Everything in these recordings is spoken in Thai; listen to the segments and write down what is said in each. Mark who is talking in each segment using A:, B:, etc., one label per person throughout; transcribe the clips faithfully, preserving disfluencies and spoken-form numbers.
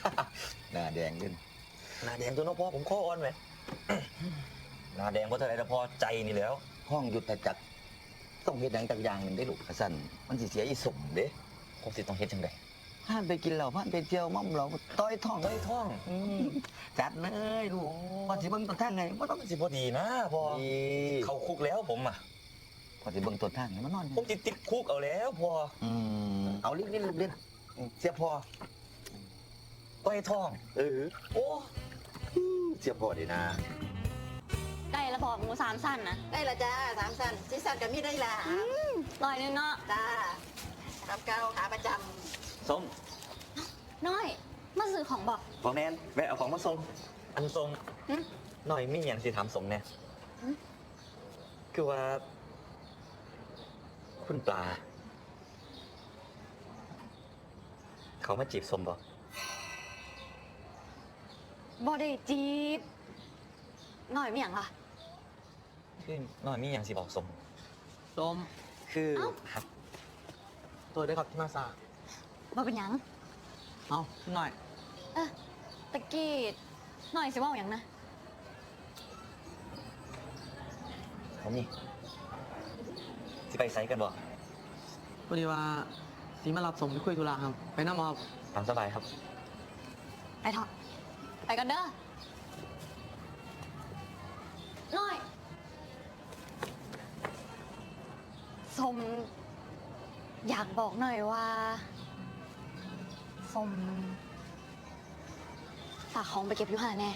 A: หน้าแดงขึ้น
B: หน้าแดงตัวน้องพ่อผมข้ออ่อนไหมหน้าแดงเพราะอะไรแต่พอใจนี่แล้ว
A: ห้องยุทธจักรต้องเฮ็ดหยังจักอย่างหนึ่งได้ลูกสั่นมันสิเสียอีสมเด้
B: ผมสิต้องเฮ็ดจังได
A: ผ่านไปกินเหล้าผ่านไปเที่ยวม่อมเหล้าต้อยท้อง
B: ต้อยท้อง
A: จัดเลยลูกพอสิเบิ่งต้นทางไงบ่ต้อง
B: สิบ่ดีนะพอเข้าคุกแล้วผมอ่ะ
A: พอสิเบิ่งต้นทางไงมันนอน
B: ผมติดติดคุกเอาแล้วพอ
A: อืมเอาลิ้นลิ้นลิ้นเสียพอ
B: ต้อยท้อง
A: เออโอ้เสียพอดีนะ
C: ได้ละพอหมูสามสั้นนะ
D: ได้ละจ้าสามสั้นสี่สั้นกับมีได้ละ
C: ลอยนึงเนาะ
D: จ้าทำเก้าขาประจำ
B: ส้ม
C: น้อยมาซื้อของบอก
B: บอกแนนแวะเอาของมาส่งอันส่งหน่อยไม่อย่างสิถามสมแน่คือว่าคุณปลาเขามาจีบสมบ่
C: บ่ได้จีบหน่อยไม่อย่างล่ะ
B: คือหน่อยมีอย่างสิบอกสม
E: สม
B: คือครับ
E: ตัวได้ครับที่มาซา
C: บ่เป็นหยัง
E: เอาหน่อย
C: เออตะกี้หน่อยสิว่าอย่างนะ
B: ผมนี่สิไปไซกันบ่
E: พอดีว่าสีมารับสมไปคุยธุระครับไปน้ำมอบ
B: ตามสบายครับ
C: ไปเถอะไปกันเด้อน้อยสมอยากบอกหน่อยว่าสมฝากของไปเก็บอยู่ห่าแน่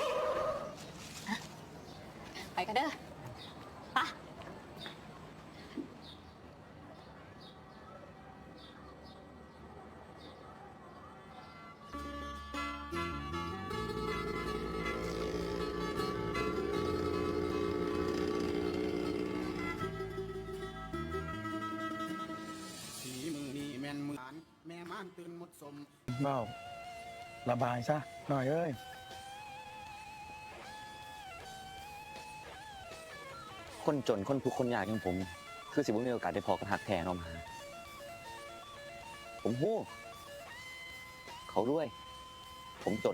C: ไปกันเด้อปะ
F: แม่ม่านตื่นหมดสม
G: เบ้าระบายซะหน่อยเอ้ย
B: คนจนคนทุกคนยากอย่างผมคือสิบ่มีโอกาสได้พอกับหักแท้เนาะมาผมฮู้เขารวยผมจน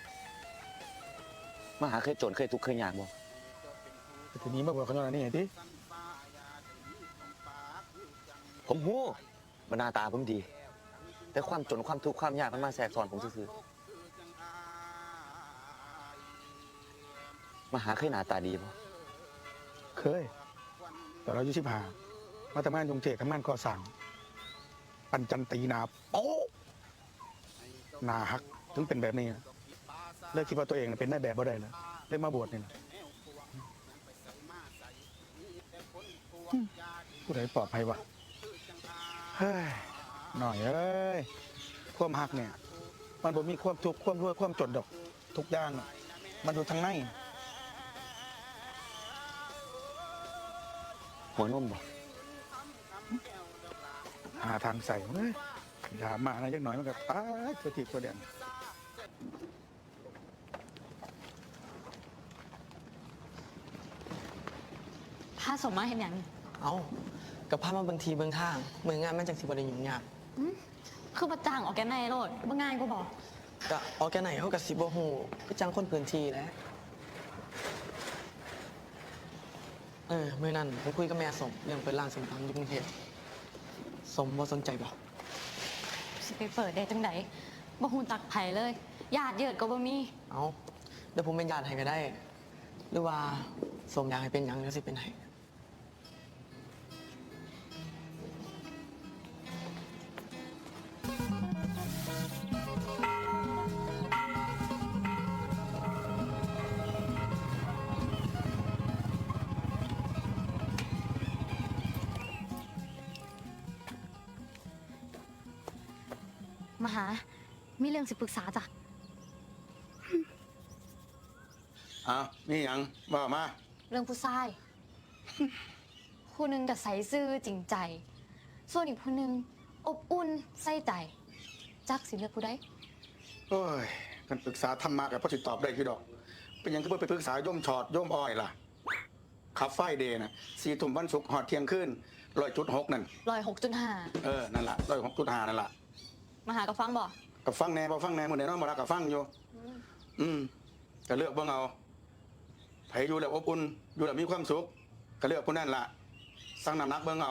B: มาหาเคยจนเคยทุกข์เคยยากบ่
G: ทีนี้มาบอกเขาหน่อยนี่ไงที่
B: ผมฮู้ว่าหน้าตาผมดีแต่ความจนความทุกข์ความยากมันมาแทรกซ้อนผมซื่อๆมาหาเคยหน้าตาดีป่ะ
G: เคยแต่เราอยู่ชิบหามาทำงานยงเจทำงานก่อสร้างปันจันตีนาโป๊นาฮักถึงเป็นแบบนี้เลิกคิดว่าตัวเองเป็นได้แบบบ่ได้แล้วเลิกมาบวชนี่นะผู้ใดปลอดภัยวะเฮ้ยหน่อยเอ้ยความหักเนี่ยมันบ่มีความทุกข์ความรวยความจนดอกทุกอย่างมันอยู่ทางใน
B: หัวนมบ่
G: หาทางใส่เฮ้ยอย่ามาอะไรจักหน่อยมันก็ตายตัวทีตัวเดียน
C: ถ้าสมมาเห็นอย่าง
E: เอากับพามาบางทีบางทางเมืองงานมันจากสิบวันยุ่งยาก
C: คือประจ่างออกแกนในโลดบางงานก็บอก
E: กะออกแกนไหนเขากับสิบหูก็จังคนพื้นที่แล้วเออเมื่อนั้นผมคุยกับแม่สมเรื่องเปิดร้านสมตำยุ่งเทพสมว่าสนใจบ่
C: สิไปเปิดได้จังไดบ่ฮู้จักไผเลยญาติเยิดก็บ่มี
E: เอาเดี๋ยวผมเป็นญาติให้ก็ได้หรือว่าสมอยากให้เป็นหยังแล้วสิเป็นให้
C: มาหามีเรื่องสิปรึกษาจ้ะ
G: อ้าวนี่ยังบอกมา
C: เรื่องผู้ชายผู้หนึ่งก็ใส่ซื่อจริงใจส่วนอีกผู้หนึ่งอบอุ่นใส่ใจจักสิเลือกผู้ใด
G: โอ้ยกันปรึกษาธรรมะกับพ่อสิตอบได้คือดอกเป็นยังก็ไปปรึกษาโยมชอดโยมอ้อยล่ะขับไฟเดย์นะสี่ทุ่มวันศุกร์หอดเที่ยงคืนร้อยจุดหกนั่น
C: ร้อยหกจุดห้า
G: เออนั่นแหละร้อยหกจุดห้านั่นแหละ
C: มาหากับฟังบ่
G: กับฟังแหน่บ่ฟังแหน่มื้อนี้เนาะบ่รักกับฟังอยู่อืมก็เลือกเบิ่งเอาไผอยู่แล้วอบอุ่นอยู่แล้วมีความสุขก็เลือกผู้นั้นล่ะสั่งน้ำหนักเบิ่งเอา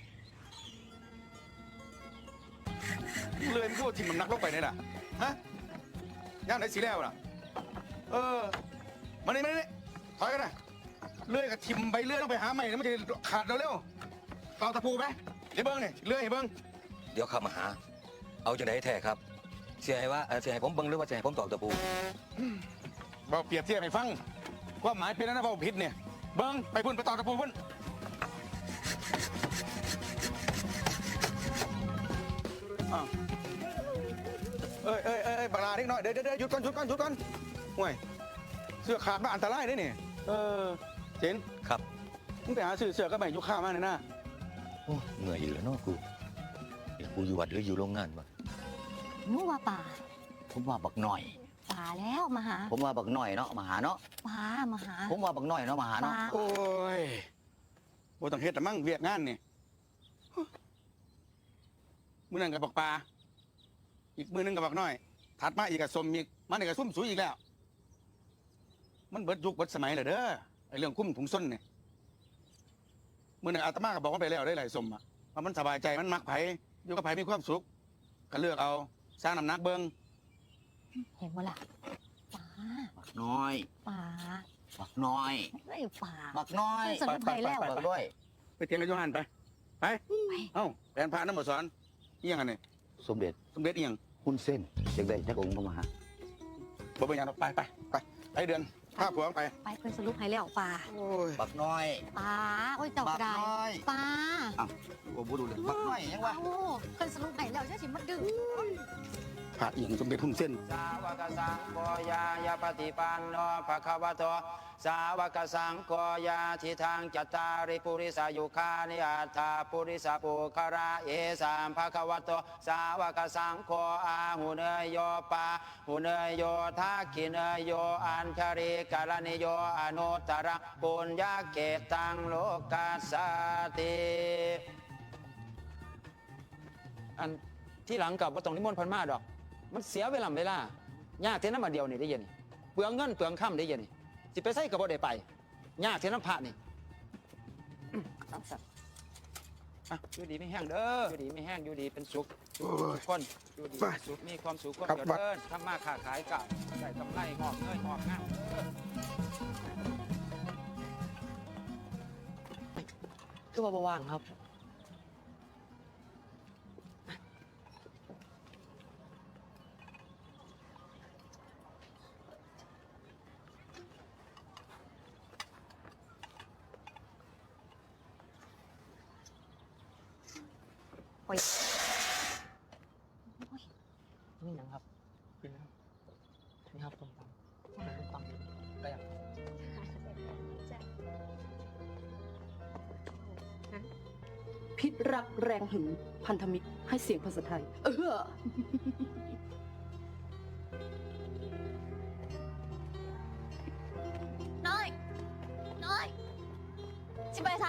G: เลยมันพูดทิ่มน้ำหนักลงไปนี่ล่ะฮะย่ามไหนสิแล้วล่ะเออมานี่มานี่ถอยกันนะเลื่อยกับทิมไปเลื่อยต้องไปหาใหม่แล้วมันจะขาดเร็วๆเอาตะปูไปเดี๋ยวเบิ้งนี่เลื่อยให้เบิ้ง
A: เดี๋ยวเข้ามาหา เอาจังไดแท้ครับเสียให้ว่าเอ่อเสียให้ผมเบิ่งหรือว่าเสียให้ผมตอกตะปู
G: เบาเปรียบเทียบให้ฟังความหมายเป็นแล้วนะเบาผิดเนี่ยเบิ้งไปพุ่นไปต่อตะปูพุ่นอ้าวเอ้ยเอ้ยเอ้ยเอ้ยบักลาเล็กน้อยเดี๋ยวเดี๋ยวเดี๋ยวหยุดก่อนหยุดก่อนหยุดก่อนห่วยเสื้อขาดมาอันตรายเด้นี่เออเจน
A: ครับ
G: มึงไปหาซื้อเสื้อก็ไม่ยุคข้าวมาเลยนะ
A: โอ้เหนื่อยอีกแล้วเนาะกูเดี๋ยวกูอยู่วัดหรืออยู่โรงงานวะ
C: หนูว่าป่า
A: ผมว่าบักหน่อย
C: ป่าแล้วมาหา
A: ผมว่าบักหน่อยเนาะมาหาเนาะ
C: ป่ามาหา
A: ผมว่าบักหน่อยเนาะมาหาเนาะ
C: ป่า
G: โอ้ยบ่ต้องเฮ็ดแต่มั่งเวียกงานนี่มื้อนั้นกับบักปลาอีกมื้อนึงกับบักน้อยถัดมาอีกกับสมอีกมันอีกกับซุ่มสุยอีกแล้ว มันเบิดยุคเบิดสมัยแล้วเด้อไอ้เรื่องคุ้มถุงส้นเนี่ยมื้อนั้นอาตมาก็บอกว่าไปแล้วได้หลายสมอะว่ามันสบายใจมันมักไผอยู่กับไผมีความสุขก็เลือกเอาสร้างน้ำหนักเบิ่ง
C: เห็นบ่ล่ะป่า
A: บักน้อย
C: ป่า
A: บักน้อย
C: เฮ้ยป่า
A: บักน้อย
C: สนุกไปแล้ว
A: บักด้วย
G: ไปเถียงกับโยฮันไปไปเอ้าแผนพาน้ำมาสอนอีหยังอันนี้
A: สมเด็จ
G: สมเด็จอีหยัง
A: หุ้นเส้นอยากได้จักองค์ก็มาหา
G: บ่เป็นหยังหรอกไปไปไปไปเดือนพาผัวไป
C: ไปเพิ่นสรุปให้แล้วป่า
G: โอ้ย
A: บักน้อย
C: ป่าโอ้ยเจ้า
A: บัก
C: ได้
A: น้อย
C: ป่า
A: อ้าวกูบ่รู้เรื่องบักน้อยยังวะ
C: เอ้าเพิ่นสรุปให้แล้วเจ้าสิมาดึง
G: พระอีหยังสมเด็จหุ่นเส้น
H: สาวกสังโฆยายาปฏิปันโนภะคะวะโตสาวกสังโฆยาทิทางจัตตาริปุริสายุคานิอัตถาปุริสาปุคาระเอสามภะคะวะโตสาวกสังโฆอาหุเนยโยปาหุเนยโยทักขิเนยโยอัญชริกาลนิโยอนุตตรปุญญาเกตังโลกัสสติอันที่หลังกับว่าตรงนิมนต์พันมาดอกมันเสียเวลาเวลายากเท่านั้นมาเดียวนี่ได้ยินนี่เปลืองเงินเปลืองค่ำได้ยินนี่สิไปใส่กับบ่ได้ไปยากเท่านั้นพระนี่อื้อเอาสัตว์อ่ะอยู่ดีไม่แห้งเด้ออยู่ดีไม่แห้งอยู่ดีเป็นสุขทุกคนอยู่ดีเป็นสุขมีความสุขความเจริญทำมาค้าขายกับได้กำไรงอกเงยงอกงามเด้อ
E: คือว่าบ่ว่างครับ
C: โอ้ย
E: นี่หยังครับกินนะครับนี่ครับส้มตำส้มตำก็อยาก
I: พิษรักแรงหึงพันธมิตรให้เสียงภาษาไทย เออ
C: น้อย น้อย สิไปไส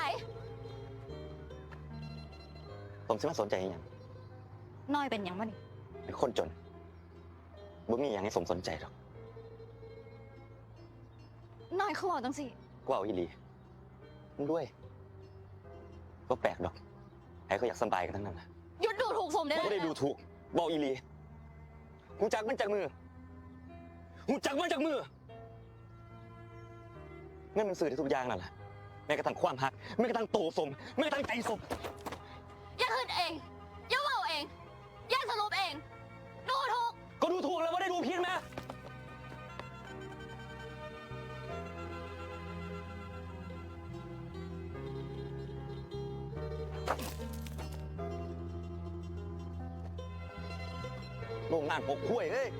B: ผมสิมาสนใจอหย่าง
C: น้อยเป็นหยังบ่นี่
B: เป็นคนจนบ่มีอย่างให้สมสนใจหรอก
C: น้อยเขาบอกจังสิ
B: กูเอาอีหลีมึงด้วยก็แปลกดอกใครก็อยากสบายกันทั้งนั้นนะ
C: หยุดดูถูกสมได้
B: กู
C: แล้ว
B: ไม่ได้ดูถูกบอกอีหลีหูจักมันจากมือหูจักมันจากมือเงินมันสื่อได้ทุกอย่างนั่นแหละแม้กระทั่งความหักแม้กระทั่งโตสมแม้กระทั่งใจสม
C: อย่าขึ้นเอง อย่าเว่าเอง อย่าสรุปเอง ดูถูก
B: ก็ดูถูกแล้วว่าได้ดูผิดไหมโรงงานหกขั้วยเอ้ย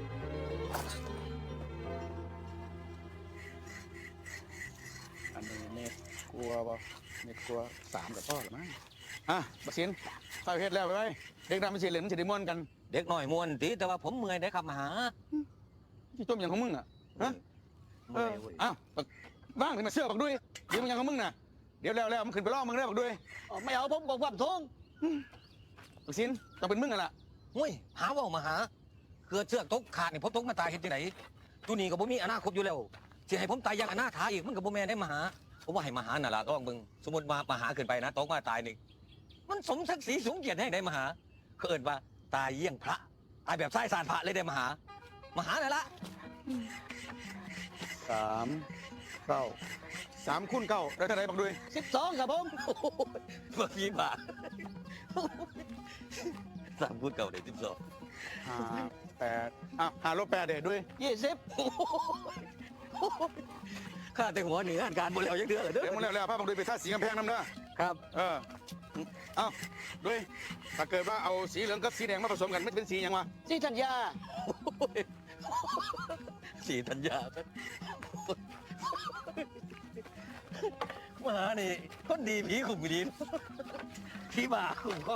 G: อันนี้เม็ดกลัวบ่เม็ดกลัวสามกับพ่อหรือมั้งอ่ะบักสินเข้าเฮ็ดแล้วไปไว้เด็กดำมันสิเหลืองมันสิได้ม่วนกัน
A: เด็กน้อยม่วนติแต่ว่าผมเมื่อยได้ครับมาหา
G: ที่ต้มอย่างของมึงอ่ะฮะเอออ้าวบักว่างถึงมาเสื้อบักด้วยเดี๋ยวมันยังของมึงน่ะเดี๋ยวแล้วแล้วมันขึ้นไปล่อมึงได้บักด้วย
A: ไม่เอาผมกับความทง
G: บักสินต้องเป็นมึงกันล่ะ
A: หุ้ยหาว่ามาหาเกิดเชือกตกขาดนี่ผมตกมาตายเห็นที่ไหนตัวนี้ก็บ่มีอนาคตอยู่แล้วสิให้ผมตายอย่างอนาถาอีกมันก็บ่แม่นได้มาหาผมว่าให้มาหาน่ะล่ะลองเบิ่งสมมุติว่ามาหาขึ้นไปนะตกมาตายนี่มันสมศักดิ์ศรีสูงเกียรติให้ได้มาหาเขาเอิ้นว่าตายเยี่ยงพระตายแบบไส้สารพระเลยได้มาหามาหาน่ะล่ะ
G: สามเก้าสามคูณเก้าได้เท่าไหร่บักด้วย
A: สิบสองครับผมบ่มีบาทสามพูดเก่าได้สิบสอง
G: ห้าแปดอ่ะห้าลบแปดเด็ดด้วย
A: ยี่สิบข้าแต่หัวเหนือการบนแล้วยังเดือดเลยเด้
G: เดี๋ยว
A: อ
G: มึงแล้วแล้วพาบักด้วยไปท่าสีกำแพงน้ำเด้อ
A: ครับ
G: เออเอาด้วยถ้าเกิดว่าเอาสีเหลืองกับสีแดงมาผสมกันมันเป็นสีหยังวะ
E: ที่ธัญญา
A: สีธัญญามานี่คนดีผีขุ่มดีผีบาขุ่มข้อง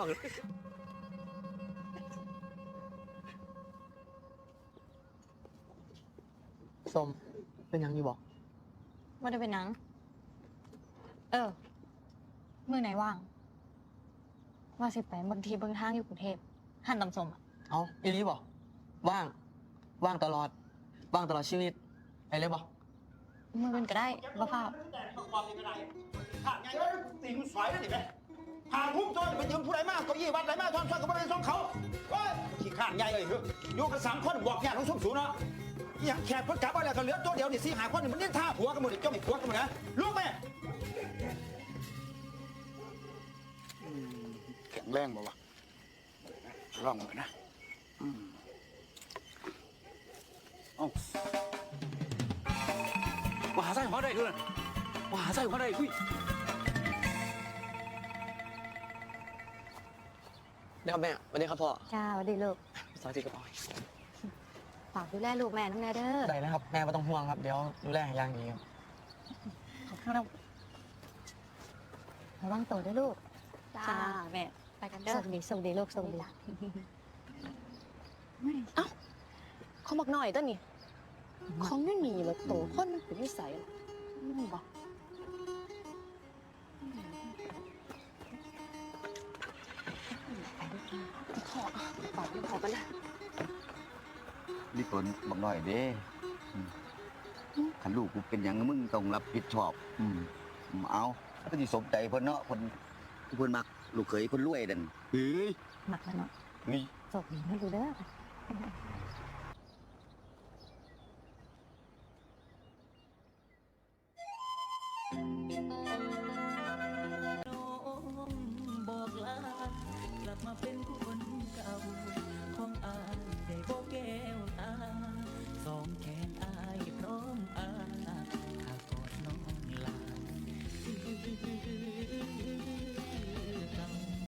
E: สมเป็นหยังอยู่บอก
C: ว่าได้เป็นหนัง เออ มือไหนว่าง ว่าสิไปบางทีบางทางอยู่กรุงเทพหันตำสมอะ
E: เอาอีนี้บอกว่าง ว่างตลอด ว่างตลอดชีวิตไปเลยบอก
C: มือเป็นก็ได้บ่เฝ้า
F: ตีมันสวยแล้วนี่แม่หาพุ่มโจรไปยืมผู้ใดมาเก้าอี้วัดไหนมาทอนซ้อนกับบริเวณส่งเขาโอ้ยขี้ข้านใหญ่เลยคืออยู่กันสามคนบอกแย่ทั้งสุ่มสูงเนาะอย่างแขกเพิ่นกลับมาแล้วก็เหลือตัวเดียวนี่สี่หาคนนี่มันนี่ท่าผัวกันหมดเลยจ้องผัวกันหมดนะลูกแม่
G: แข็งแรงบ่วะลองกันนะอืมเอ้า
F: ว่าหาไส้หัวได้คือว่าหาไส้หัวได้คุย
E: เดี๋ยวแม่สวัสดีครับพ่อ
C: จ้าสวัสดีลูก
E: สวัสดีครับพ่อ
C: ฝากดูแลลูกแม่น้องแน่เด้อ
E: ได้แล้วครับแม่ไม่ต้องห่วงครับเดี๋ยวดูแลอย่างดีครับ
C: ขอบคุณครับระวังตัวด้วยลูก จ้าแม่ ไปกันเด้อสวัสดีสวัสดีลูกสวัสดี
I: เอ้าเขาบอกหน่อยต้นนี่ของไม่มีเลยโตคนมันเป็นนิสัยเหรอไม่บอกขอฝากขอกันนะ
J: นี่ผลบอกหน่อยเด้อืมขันลูกกูเป็นอย่างมึงต้องรับผิดชอบ อืมอืมเอาก็สิสมใจเพิ่นเนาะเพิ่นเพิ่นมักลูกเขยคนรวยนั่นเฮ้ย
C: หมักแล้วเนาะ
J: นี่
C: สวัสดีนะดูเด้อ
K: บอกลากลับมาเป็นคนเก่า